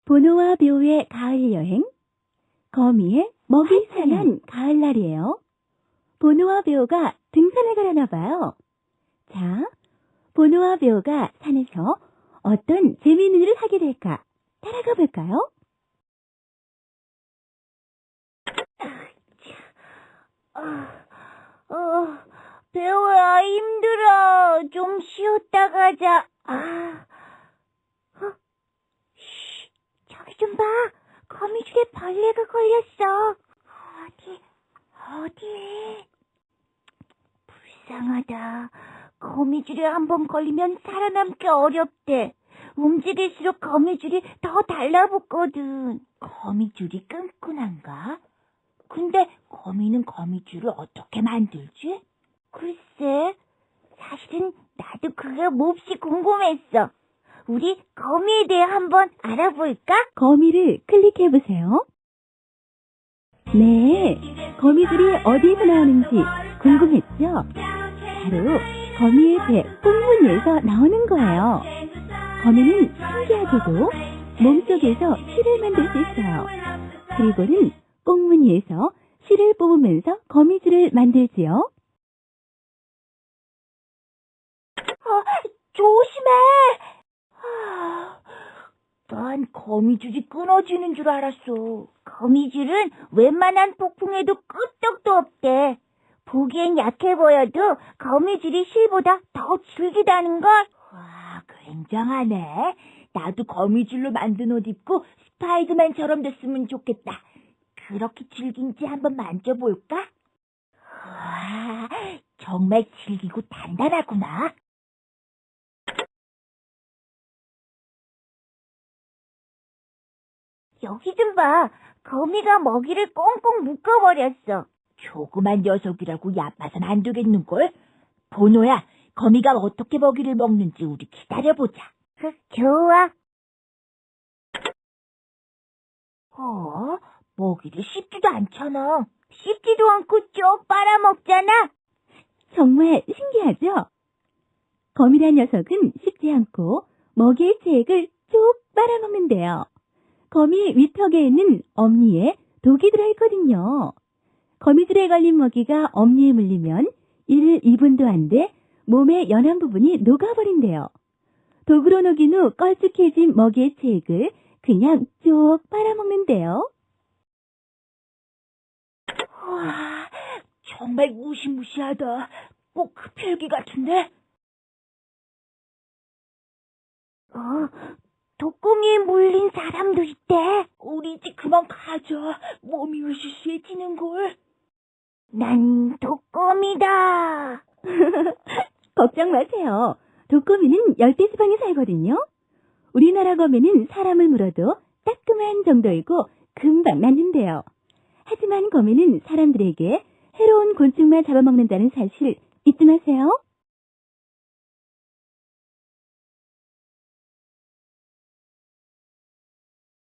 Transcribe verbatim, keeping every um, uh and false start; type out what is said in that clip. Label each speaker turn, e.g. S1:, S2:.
S1: 보노와 묘의 가을 여행. 거미의 먹이 사는 가을날이에요. 보노와 묘가 등산을 가려나 봐요. 자, 보노와 묘가 산에서 어떤 재미있는 일을 하게 될까? 따라가 볼까요?
S2: 어, 어, 배우야, 힘들어. 좀 쉬었다 가자. 아, 어, 쉬, 저기 좀 봐. 거미줄에 벌레가 걸렸어. 어디, 어디? 불쌍하다. 거미줄에 한번 걸리면 살아남기 어렵대. 움직일수록 거미줄이 더 달라붙거든. 거미줄이 끈끈한가? 근데 거미는 거미줄을 어떻게 만들지? 글쎄, 사실은 나도 그게 몹시 궁금했어. 우리 거미에 대해 한번 알아볼까?
S1: 거미를 클릭해보세요. 네, 거미들이 어디에서 나오는지 궁금했죠? 바로 거미의 배 꽁무니에서 나오는 거예요. 거미는 신기하게도 몸속에서 실을 만들 수 있어요. 그리고는 꽁무니에서 실을 뽑으면서 거미줄을 만들지요.
S2: 어, 조심해! 아, 난 거미줄이 끊어지는 줄 알았어. 거미줄은 웬만한 폭풍에도 끄떡도 없대. 보기엔 약해 보여도 거미줄이 실보다 더 질기다는걸? 와, 굉장하네. 나도 거미줄로 만든 옷 입고 스파이더맨처럼 됐으면 좋겠다. 그렇게 질긴지 한번 만져볼까? 와, 정말 질기고 단단하구나. 여기 좀 봐. 거미가 먹이를 꽁꽁 묶어버렸어. 조그만 녀석이라고 얕봐선 안 되겠는걸? 보노야, 거미가 어떻게 먹이를 먹는지 우리 기다려보자. 좋아. 어? 먹이를 씹지도 않잖아. 씹지도 않고 쭉 빨아먹잖아.
S1: 정말 신기하죠? 거미란 녀석은 씹지 않고 먹이의 체액을 쭉 빨아먹는데요. 거미 위턱에 있는 엄니에 독이 들어있거든요. 거미줄에 걸린 먹이가 엄니에 물리면 일, 이 분도 안 돼 몸의 연한 부분이 녹아버린대요. 독으로 녹인 후 걸쭉해진 먹이의 체액을 그냥 쭉 빨아먹는데요.
S2: 와, 정말 무시무시하다. 꼭 흡혈귀 같은데? 어, 독거미에 물린 사람도 있대. 우리 이제 그만 가자. 몸이 으시시해지는걸. 난 독거미다.
S1: 걱정 마세요. 독거미는 열대 지방에 살거든요. 우리나라 거미는 사람을 물어도 따끔한 정도이고 금방 낫는데요. 하지만 거미는 사람들에게 해로운 곤충만 잡아먹는다는 사실 잊지 마세요.